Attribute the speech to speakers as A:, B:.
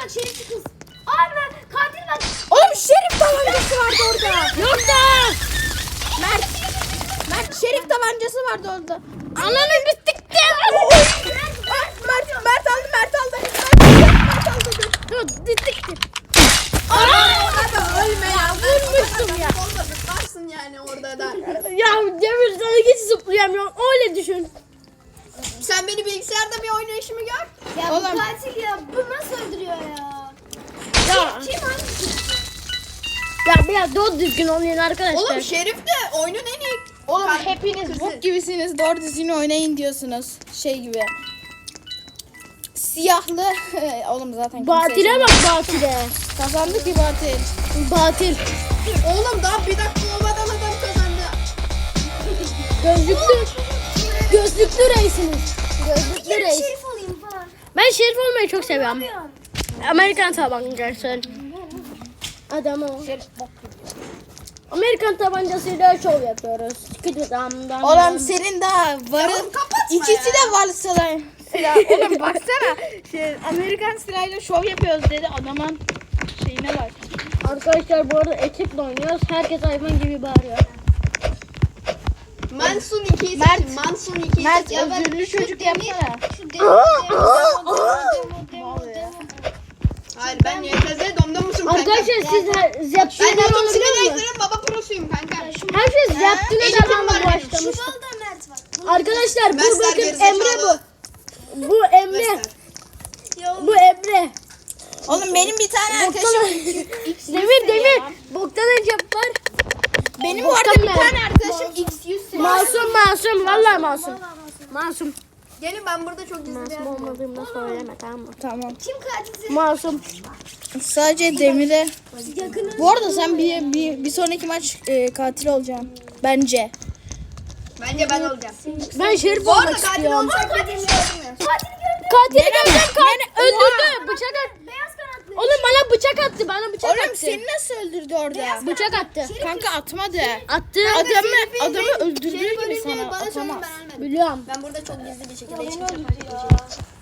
A: bak şerifçi kız. Abi katil bak.
B: Oğlum şerif tabancası vardı orada.
C: Yok da.
B: Mert şerif tabancası vardı orada.
C: Ananı bittikti.
B: Mert aldı. Mert aldı.
C: Dur bittikti.
B: Adam ölme ya.
C: Vurmuştum ya.
B: Varsın yani orada da.
C: Ya Cemil sana hiç zıplayamıyorum. Öyle düşün.
B: Sen beni bilgisayarda bir oynayışımı gör.
A: Ya
B: Oğlum.
A: bu katil ya. Bu nasıl öldürüyor ya?
C: Ya,
A: Kim hangisi?
C: ya biraz doğru düzgün oynayın arkadaşlar.
B: Oğlum şerif de oyunun en iyi. Oğlum hepiniz bok gibisiniz. Doğru düzgün oynayın diyorsunuz. Şey gibi. Siyahlı. Oğlum zaten kimse
C: Batile bak batile.
B: kazandı ki batil.
C: Batil.
B: Oğlum daha bir dakika olmadan adam kazandı.
C: Gözlüklü reisiniz. Gözlüklü
A: Bir
C: reis.
A: şerif olayım falan.
C: Ben şerif olmayı çok seviyorum.
A: Ne yapıyorsun?
C: Amerikan tabancası. Adamı. Amerikan tabancasıyla şov yapıyoruz.
B: Oğlum senin daha varın. İkisi de var silah. Oğlum baksana. Amerikan silahıyla şov yapıyoruz dedi adamın şeyine bak.
C: Arkadaşlar bu arada ekiple oynuyoruz. Herkes hayvan gibi bağırıyor.
B: Mansun 2'yi seçin. Mansun 2'yi Mert özürlü çocuk yapsana.
A: Şu demo.
B: Hayır ben YTZ domdomuşum kanka.
C: Arkadaşlar siz
B: Ben
C: Zeptin'den
B: YouTube
C: alabiliyor musunuz?
B: Sinir'in baba prosuyum kanka.
C: Herkes Zeptin'e
B: Eğitim
C: devamlı
B: var benim.
C: başlamış.
A: Şurada Mert var.
C: Arkadaşlar bu
B: Mesler
C: bakın
B: gerizekalı.
C: Emre bu. Bu Emre.
B: Mesler.
C: Bu Emre.
B: Oğlum benim bir tane arkadaşım.
C: Demir. Boktan Recep var.
B: Benim
C: Boktan
B: orada bir
C: ben.
B: tane arkadaşım X100.
C: Masum. Vallahi masum. Masum.
B: Gelin ben burada çok gizli bir
C: Masum
B: yer buldum.
C: olmadığımı da söyleme tamam mı?
B: Tamam.
A: Kim katilse
C: Masum.
B: Sadece Demir'e.
A: yakını.
B: Bu arada sen bir sonraki maç katil olacaksın. Bence. Bence ben olacağım.
C: Ben şerif
B: Bu arada
C: olmak
B: katil
C: istiyorum.
B: olacak dediğimi görmüyor.
A: Katili gördüm.
C: Katili gördüm. Öldürdü. Bıçak attı.
A: Beyaz kanatlı.
C: Oğlum bana bıçak attı. Bana bıçak
B: Oğlum
C: attı.
B: seni nasıl öldürdü orada?
C: Bıçak attı.
B: Kanka atmadı.
C: Attı.
B: Adamı öldürdüğü gibi sana
A: Bana söyle
B: atamaz.
A: ben ölmedim.
C: Biliyorum.
B: Ben burada çok gizli bir şekilde
A: Beni
B: çıkacağım.
A: öldürdü ya.